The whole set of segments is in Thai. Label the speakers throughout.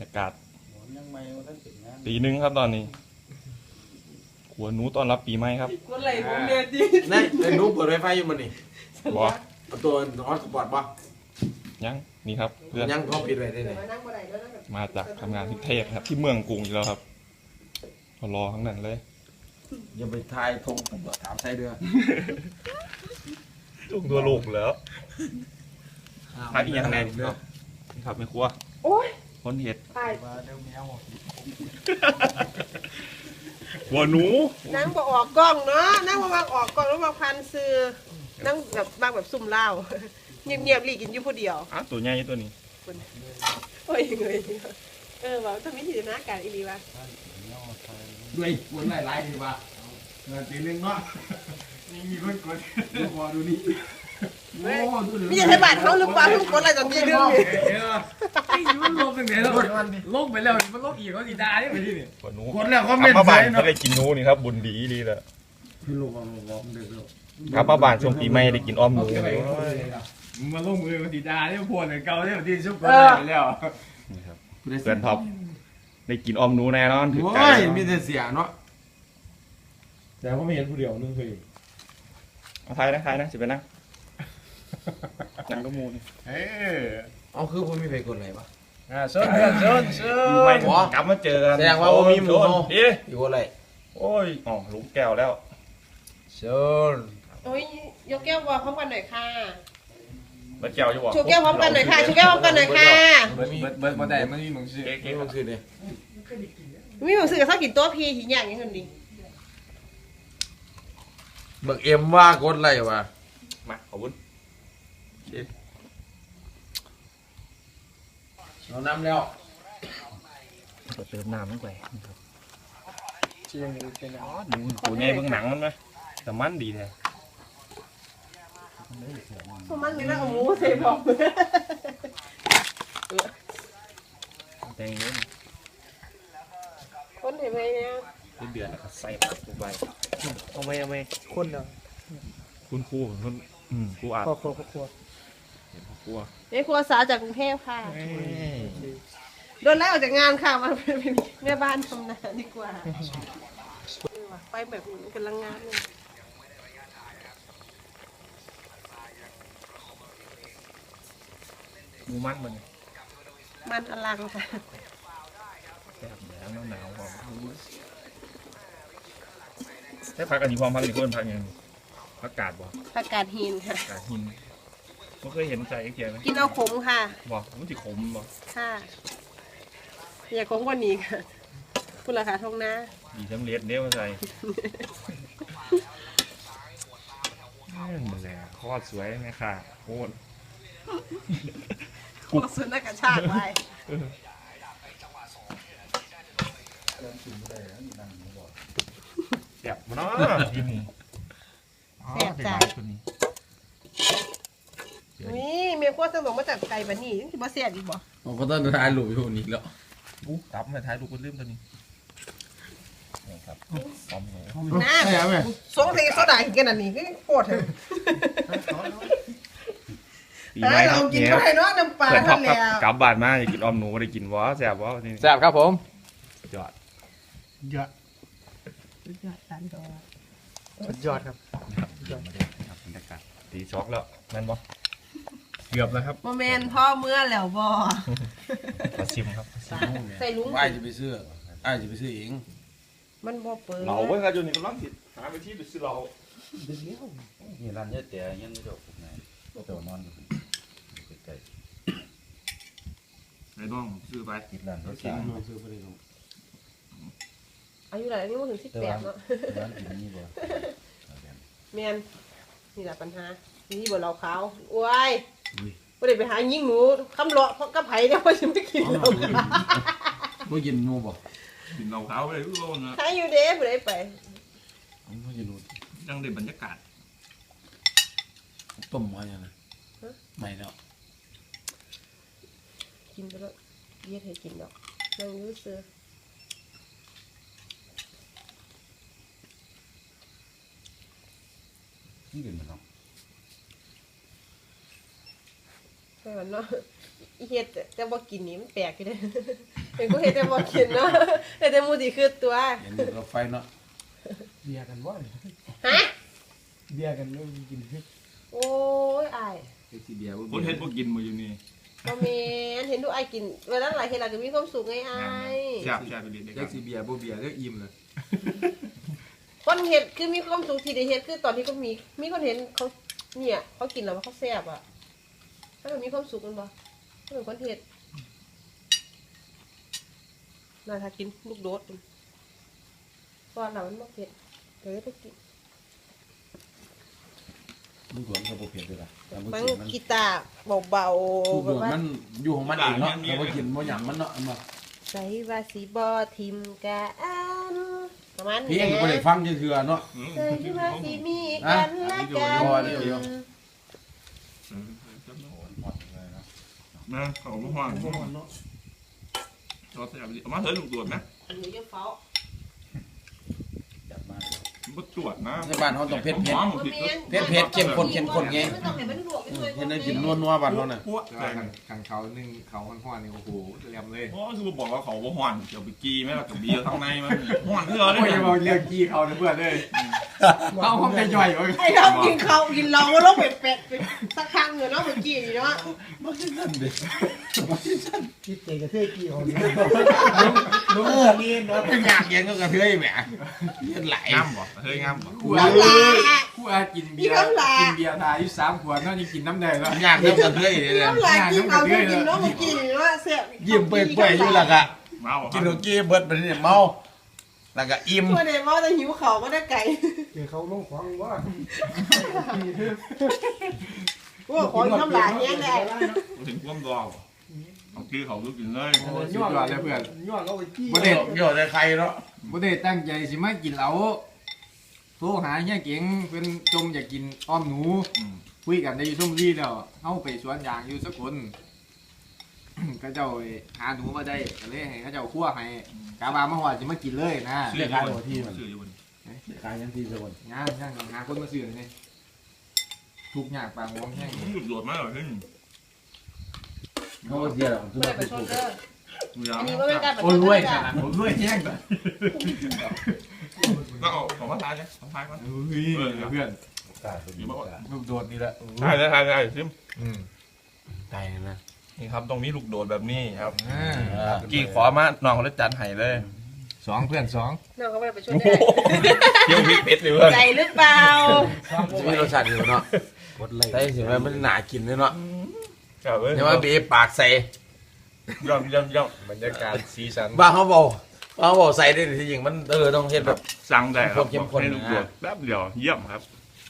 Speaker 1: ยากาศตีหนึ่งครับตอนนี้ขัวหนูตอนรับปีใหม่ครับ
Speaker 2: คนไหลผมเดือดดิ
Speaker 3: นี่ไอ้หนูเปิดไวไฟอยู่มันนี่
Speaker 1: บอ
Speaker 3: ตัวฮอตสปอร์ตป่ะ
Speaker 1: ยังนี่ครับเพื่อน
Speaker 3: ยังเขาปิดไว้ได้ไหน
Speaker 1: มาจากทำงานที่เทพครับที่เมืองกรุงอยู่แล้วครับรอทั้งนั้นเลย
Speaker 3: อย่าไปทายทงตำรวจถามใช่เด้อ
Speaker 1: จุกตัวลูกแล้วพักอีกอย่างแน่นี่ครับไม่ครัว
Speaker 2: โอ้ย
Speaker 1: คนเห็ด
Speaker 2: ตาย
Speaker 1: ขัวหนู
Speaker 2: นั่งบ่ออกกล้องเนาะนั่งบ่มาออกกล้องแล้วมาพันซื้อนั่งแบบบางแบบซุ่มเหล้าเงียบๆหลีกินอยู่ผู้เดียว
Speaker 1: ตัวใหญ่ตัวนี้
Speaker 2: โอ้ยเงยว่าทำมิถินาการอีหลีวะ
Speaker 3: ด้วยวนไล่ดีป่ะตีหนึ่งเนาะมีคนกดดูพอดูนี่
Speaker 2: มีอย่างไรบาดเขาหรือเปล่าทุกคนอะไรจังยี่ดื้อเลย
Speaker 4: ไอ้มันลงตั้งแต่แล้วลงไปแล้วมันลงอีกเขาสีดาเนี่ยไปที่นี่
Speaker 1: ขัวหนู
Speaker 3: คนแล้วเขาไม่
Speaker 1: ป้า
Speaker 3: ใส่
Speaker 1: บ้าน
Speaker 3: เนาะ
Speaker 1: ก็ได้กินหนูนี่ครับบุญดีดีเลย
Speaker 3: พี่ลูกเอาล้อมเด็กแล้ว
Speaker 1: ครับป้าบ้านช่วงปีใหม่ได้กินอ้อมหนู
Speaker 4: มึงมาลงมือสีดาเนี่ยพวกเนี่ยเก่าเนี่ยที่ชุบกันไปแล้ว
Speaker 1: นี่ครับเพื่อนท็อปได้กินอ้อมหนูแน่นอนถึงใจ
Speaker 3: โอ้ยมีแต่เสียเนาะแต่ก็ไม่เห็นผู้เดียวนึงเคย
Speaker 1: เอาไทยนะสิไปนั่งนั่งก็มูน
Speaker 3: เอาคือผมมีไปกดอะไรป่ะ
Speaker 4: เชิญเชิญเชิญ
Speaker 1: ไม่กลับมาเจอกัน
Speaker 3: แสดงว่ามีหมู
Speaker 1: พี่
Speaker 3: อยู่อะไร
Speaker 1: โอ้ยอ๋อลุงแก้วแล้ว
Speaker 3: เชิญ
Speaker 2: โอ้ยยกแก้ววอพร้อมกันหน่อยค่ะ
Speaker 1: แล้วแก้วอยู่บ่
Speaker 2: ชูแก้วพร้อมกันหน่อยค่ะชูแก้วพร้อมกันหน่อยค่ะ
Speaker 4: เบิร์ดมาได้มันมีมึงชื่อ
Speaker 1: เก๊
Speaker 3: นี่มันคือเนี่ย
Speaker 2: มีหนังสือกับข้าวกินตัวพีหินอย่างนี้คนดี
Speaker 3: เบิกเอ็มว่ากดอะไรวะ
Speaker 1: มาขอบคุณ
Speaker 3: เรานำแล้ว
Speaker 1: เติมน้ำลงไป
Speaker 4: เชียงเป็น
Speaker 1: อ๋อดูตัวใหญ่เบื้องหนังมันไหมแต่มันดีแท้
Speaker 2: มันมีแล้วเอาหมูใส่บอก
Speaker 1: แดงเยอะ
Speaker 2: คนเห็นไหมเนี่ย
Speaker 1: เดือดแล้วก็ใส่ผักลงไป
Speaker 4: เอาไหมคนเนาะ
Speaker 1: คุณครูคุณครูอาบ
Speaker 4: ครัว
Speaker 1: ครู
Speaker 2: ในครัวสาวจากกรุงเทพค่ะโดนไล่ออกจากงานค่ะมาเป็นแม่บ้านทำนาดีกว่าไปแบบกำลังงานเลย
Speaker 1: หมูมันมัน
Speaker 2: มันอลังค่ะ
Speaker 1: แซ่บแล้วหนาวหอมได้พักอันนี้ความพักอีกคนพักยังพักกาดบ่
Speaker 2: ผักกาดหินค่ะ
Speaker 1: กาดหินไม่เคยเห็นใจไอ้เกียร์ไหม
Speaker 2: กินเอาขมค่ะ
Speaker 1: บ่มันจะขมบ่
Speaker 2: ค่ะอย่าขมกว่านี้ค่ะคุณราคาทองนะ
Speaker 1: ดีทั้งเล็ดเนี้ยมาใส่นั่นแหละคอดสวยไหมค่ะโคตร
Speaker 2: กุกสุนัขกระชากไป
Speaker 1: แซ่บมาเนาะกินนี่
Speaker 2: แซ่บจ้ะนี่เมียขั้วสมองมาจากไก่บะนี่ที่บ่เสียดีบ่
Speaker 3: ผมก็ต้องทายหลุยอยู่นี่แล้ว
Speaker 1: อู้ตับมาท้ายลูกคนลืมตัวนี้นี่ครับพร้อมเลย
Speaker 2: น้ำสงสัยโซดากินอันนี้ก็ปวดเลย
Speaker 1: ปีใหม่ค
Speaker 2: เรา
Speaker 1: รับ
Speaker 2: กิน
Speaker 1: เนี่ย
Speaker 2: ไปเนาะน้ำปลา
Speaker 1: เพื่อนท็อ
Speaker 2: ท่า
Speaker 1: ป
Speaker 2: น
Speaker 1: ครับ
Speaker 2: แล้ว
Speaker 1: กลับบ้านมาอยากกินออมหนูได้กินวะแซ่บวะนี่
Speaker 4: แซ่บครับผม
Speaker 1: ยอด
Speaker 4: ยอดยอดครับ
Speaker 1: ครับบรรยากาศตีช็อกแล้วแม่นบ่เกือบแล้วครับ
Speaker 2: โมเมนต์พ่อเมื่อแล้วบ่
Speaker 1: มาชิมครับ
Speaker 2: ใส่ลุง
Speaker 3: ไอ้จะไปซื้อไอ้จะไปซื้อเอง
Speaker 2: มันบ่เปิด
Speaker 1: เราเว้ยครับอยู่นี่กำลังติดหาไปที่ดูซื้อเรา
Speaker 5: นี่ร้านเยอะแต่ยังไม่จบไงเจ้านอนอยู่ใกล้
Speaker 1: ไอ้น้องซื้อไป
Speaker 5: ๆติดร้านเยอะ
Speaker 3: กิ
Speaker 5: สาน ม
Speaker 3: ซื้อไปเลย
Speaker 2: อายุไหนนี่มันถึง18เนาะ
Speaker 5: ร้านกินนี่บ่
Speaker 2: แมนนี่แหละปัญหานี่บ่เราขาวโอ้ยบ่ได้ไปหายิงหนูคำเลาะเพราะกับไผเนี่ยว่าสิไม่กินเรา
Speaker 3: ไม่กินงูบ่
Speaker 1: กินเราขาวไปเลยทุกคนนะ
Speaker 2: ใครอยู่เด้บ่ได้ไป
Speaker 3: ไม่กินงู
Speaker 1: ยังได้บรรยากาศ
Speaker 3: ต้มมาอย่างไรไม่แล้ว
Speaker 2: กินไปแล้วเย็ดให้กินดอกนั่งอยู่ซื่อ
Speaker 5: นี่กินมันเนาะ
Speaker 2: ใช่มันเนาะอีเฮ็ดแต่บ่กินนี่มันแปลกอยู่เด้เป็นกูเฮ็ดแต่บ่กินเนาะแต่หมู่สิคือตัว
Speaker 3: เห็นอยู่รถไฟเนาะ
Speaker 4: เบียร์กันบ่
Speaker 2: ฮะ
Speaker 4: เบียร์กันแล้วกิน
Speaker 2: โอ้ยอาย
Speaker 3: ไอ้ที่เบียร์
Speaker 1: คนเฮ็ดบ่กินมาอยู่นี่
Speaker 2: บ่แม่นเห็นดูอายกินเวลาหลายเฮ็ดแล้วก็มีความสุขไงอาย
Speaker 1: แซ่บไปเรียนได้
Speaker 3: แจ็คสีเบียร์บ่เบียร์ก็อิ่มเลย
Speaker 2: คนเฮ็ดคือมีความสุขที่ได้เฮ็ดคือตอนที่ก็มีคนเห็นเขาเนี่ยเขากินแล้วว่าเขาแซ่บอ่ะถ้ามันมีความสุขมันบ่ถ้าเป็นคนเฮ็ดน่าถ้ากินลูกโดดเพราะเรามันบ่เผ็ดเดี๋ยวไปกิน
Speaker 5: ลูกหลานเขาบ่เผ็ดด้วยล่ะแต่บ่
Speaker 2: มัน
Speaker 5: กินมัน
Speaker 2: กีตาร์เบา
Speaker 3: ลูก
Speaker 2: ๆ
Speaker 3: โด
Speaker 2: แบบ
Speaker 3: ด
Speaker 2: ว่า
Speaker 3: มันอยู่ของมันเองเนาะแต่ว่ากินบ่หยังมันเนาะมา
Speaker 2: ใส่ว่าสีบ่ทิมกันประมาณ
Speaker 3: เพี
Speaker 2: นี้
Speaker 3: ยงก็บ่ได้ฟังจังเทื่อเนาะ
Speaker 2: ใส่ว่าสีมีกันและกัน
Speaker 3: พอเดี๋ยว
Speaker 5: หมดเลยนะ
Speaker 1: นะเขาบ่ฮ้อนเราแซ่บเอามาเถอะลูกตรวจนะ
Speaker 2: หนูจะเฝ้า
Speaker 5: จับมา
Speaker 1: มันบ่ตรวจนะ
Speaker 3: ในบ้านเขาต้องเผ็ด
Speaker 1: หอมผิดก็
Speaker 3: เผ็ดเข้มข้นเข้มข้นไง
Speaker 2: มันต้องให้มันลวกไปด้วย
Speaker 3: เห็นได้กินนัวๆบ้านเขาน่ะ
Speaker 1: พวก
Speaker 6: แต่ว่าขันเขานึ่งเขาห้อนๆนี่โอ้โหเรียมเลย
Speaker 1: เพราะคือบอกว่าเขาบ่ฮ้อนเดี๋ยวไปกี้แม่ล่ะกับเบียร์ข้างในมันฮ้อนคือเอา
Speaker 6: โอ้ย
Speaker 1: ได้
Speaker 6: อย่าบอกเรื่องกี้เขานะเพื่อนเลยเอาห้องแต่ย่อยเลย
Speaker 2: ไอ้เรากินเขากินเราก็ลงเป็ดสักครั้งเงินเนาะเมื่อกี้เนาะ
Speaker 3: บ่คิดนั่นเด้
Speaker 4: คิดเจกระเทยกี่คนลุงนี่เนาะ
Speaker 3: เป็นอยากเย็นก็กระเทยแหมเย็นไหล
Speaker 1: งามบ่เฮ้ยงามบ่
Speaker 6: คู่อาคู่อากินเบียร์ทายอยู่3 ขวดนั่นยังกินน้ำแดงแล้ว
Speaker 3: อยากเริ่มกระเทยเลย
Speaker 2: น้ำลายกินเขาก็กินเนาะเมื่อกี้เนาะเสีย
Speaker 3: ยิ้มเปื่อยๆอยู่แล้วก็
Speaker 1: มาบ่
Speaker 3: กินโอกี้เบิดไปนี่เมาแล้วก็อิ่ม
Speaker 2: ตัวเดมอจะหิวเขาก็ได้ไก่
Speaker 4: เดี๋ยวเขาลงของว่า
Speaker 2: พวกของน้ำลายเนี้ยได้
Speaker 1: ถึงความดอกเอาคือเขาลูกกินเลย
Speaker 6: สุดยอดเลยเพื่อน
Speaker 4: ย้อนเอาไปจี้
Speaker 6: บ่ได้
Speaker 3: โยนในใครเนาะ
Speaker 6: บ่ได้ตั้งใจสิมากินเหล้าโทรหาเฮียเก๋งเพิ่นจมอยากกินอ้อมหนูคุยกันได้อยู่ซุ่มรีแล้วเฮาไปสวนยางอยู่สกล ก็เจ้าหาหนูมาได้ก็เลยให้เขาเจ้าคั่วให้กาบามาว่าสิมากินเลยนะ
Speaker 1: ซื้ออยู่บน
Speaker 3: ขายยังที่สกล
Speaker 6: งานช่างหาคนมาซื้อนี่ทุกอย่างปางวงแห้ง
Speaker 1: หยุดโดดมาเหรอขึ้น
Speaker 3: เขาเสียหรอก
Speaker 2: ไม่ได้ไปชนเด้อ
Speaker 1: ยา
Speaker 2: อันนี้ก็เป็นการประช
Speaker 6: โอ้ย
Speaker 2: ด
Speaker 6: รวย
Speaker 2: เด้
Speaker 6: ข
Speaker 2: อ
Speaker 6: นาดผมรวยแห้งเลย
Speaker 1: ก็เอาของมาทานเลยของทานก่อน
Speaker 6: เฮ้ยเพื่อน
Speaker 1: อยู่บ้าน
Speaker 3: ลูกโดดนี่แหละ
Speaker 1: ใช่ใช่ใช่ซิม
Speaker 3: ตายนะ
Speaker 1: นี่ครับตรงนี้ลูกโดดแบบนี้ครับ
Speaker 6: อ่า
Speaker 1: กี่ขอมาน้องเขาได้จัดให้เลย
Speaker 6: 2 เพื่อน 2
Speaker 2: น้องก็ไม่ได้ไปชนได้
Speaker 1: เที่ยวพริกเผ็ดเลยเพื่อน
Speaker 2: ใจหรือเปล่า
Speaker 3: จะมีรสชาติอยู่เนาะ
Speaker 5: กดไล่
Speaker 3: ได้สิว่ามันหนากินเลยเนาะ
Speaker 1: ครับเว้ย
Speaker 3: เดี๋ยวว่าเบปากใส่
Speaker 1: ย่อมย่อมย่อม
Speaker 6: บรรยากาศสีสัน
Speaker 3: บ้าเขาบอกใส่ได้ที่จริงมันต้องเฮ็ดแบบ
Speaker 1: สั่งได้ครับ
Speaker 3: เข้มข้น
Speaker 1: ให้ลูกโดดแป๊บเดียวเยี่ยมครับ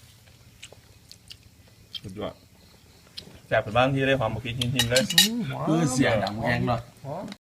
Speaker 1: สุดยอดแซ่บเป็นบ้านที่ได้ความบุกหินเลย
Speaker 3: คือเสียงดังแพงเนาะ